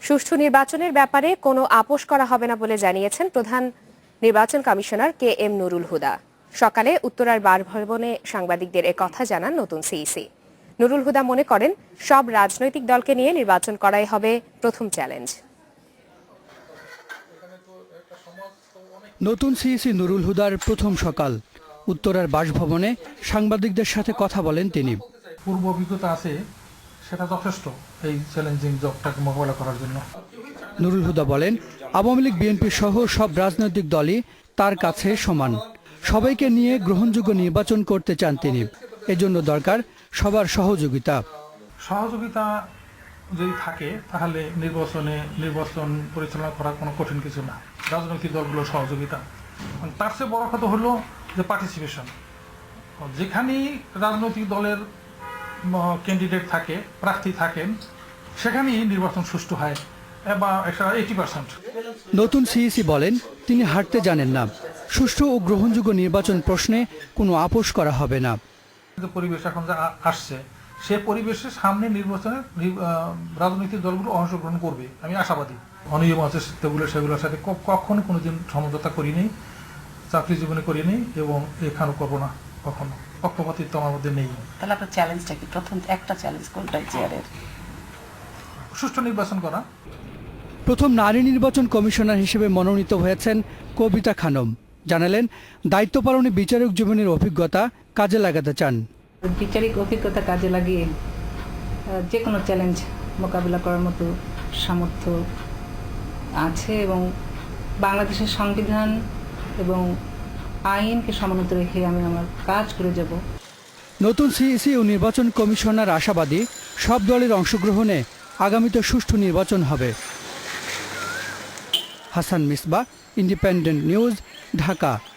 সুষ্ঠু নির্বাচনের ব্যাপারে কোনো আপোষ করা হবে না বলে জানিয়েছেন প্রধান নির্বাচন commissioner K M Nurul Huda. সকালে উত্তরার বাসভবনে সাংবাদিকদের একথা জানান নতুন সিইসি। নুরুল হুদা মনে করেন, সব রাজনৈতিক দলকে নিয়ে নির্বাচন করাই হবে প্রথম চ্যালেঞ্জ। নতুন সিইসি নুরুল হুদার প্রথম সকাল। উত্তরার বাসভবনে সাংবাদিকদের সাথে কথা বলেন তিনি। পূর্ব অভিজ্ঞতা আছে, সেটা যথেষ্ট এই চ্যালেঞ্জিং জবটাকে মোকাবেলা করার জন্য। নুরুল হুদা বলেন, আওয়ামী লীগ বিএনপি সহ সব রাজনৈতিক দলই তার কাছে সমান। সবাইকে নিয়ে গ্রহণযোগ্য নির্বাচন করতে চান তিনি। এজন্য দরকার সবার সহযোগিতা। সহযোগিতা যদি থাকে তাহলে নির্বাচন পরিচালনা করা কোনো কঠিন কিছু না। রাজনৈতিক দলগুলোর সহযোগিতা, তার চেয়ে বড় কথা হলো যে পার্টিসিপেশন। যেখানেই রাজনৈতিক দলের ক্যান্ডিডেট থাকে, প্রার্থী থাকেন, সেখানেই নির্বাচন সুষ্ঠু হয় বা 80%। নতুন সিইসি বলেন, তিনি হারতে জানেন না। সুষ্ঠু ও গ্রহণযোগ্য নির্বাচন প্রশ্নে কোনো আপোষ করা হবে না। পরিবেশ এখন যা আসছে, সে পরিবেশের সামনে নির্বাচনে রাজনৈতিক দলগুলো অংশগ্রহণ করবে, আমি আশাবাদী। অনিয়ম আছে সেগুলোর সাথে কখনো কোনোদিন সমঝোতা করিনি, চাকরি জীবনে করিনি এবং এখানেও করবো না কখনো। পক্ষপাতিত্ব আমার মধ্যে নেই। তাহলে আপনার চ্যালেঞ্জটা কি? প্রথম একটা চ্যালেঞ্জ কোনটা চেয়ারের? সুষ্ঠু নির্বাচন করা। প্রথম নারী নির্বাচন কমিশনার হিসেবে মনোনীত হয়েছেন কবিতা খানম। জানালেন, দায়িত্ব পালনে বিচারক জীবনের অভিজ্ঞতা কাজে লাগাতে চান। বিচারিক অভিজ্ঞতা কাজে লাগিয়ে যে কোনো চ্যালেঞ্জ মোকাবিলা করার মতো সামর্থ্য আছে এবং বাংলাদেশের সংবিধান এবং আইনকে সমুন্নত রেখে আমি আমার কাজ করে যাব। নতুন সিইসি ও নির্বাচন কমিশনার আশাবাদী, সব দলের অংশগ্রহণে আগামীতে সুষ্ঠু নির্বাচন হবে। Hasan Misbah, Independent News, Dhaka.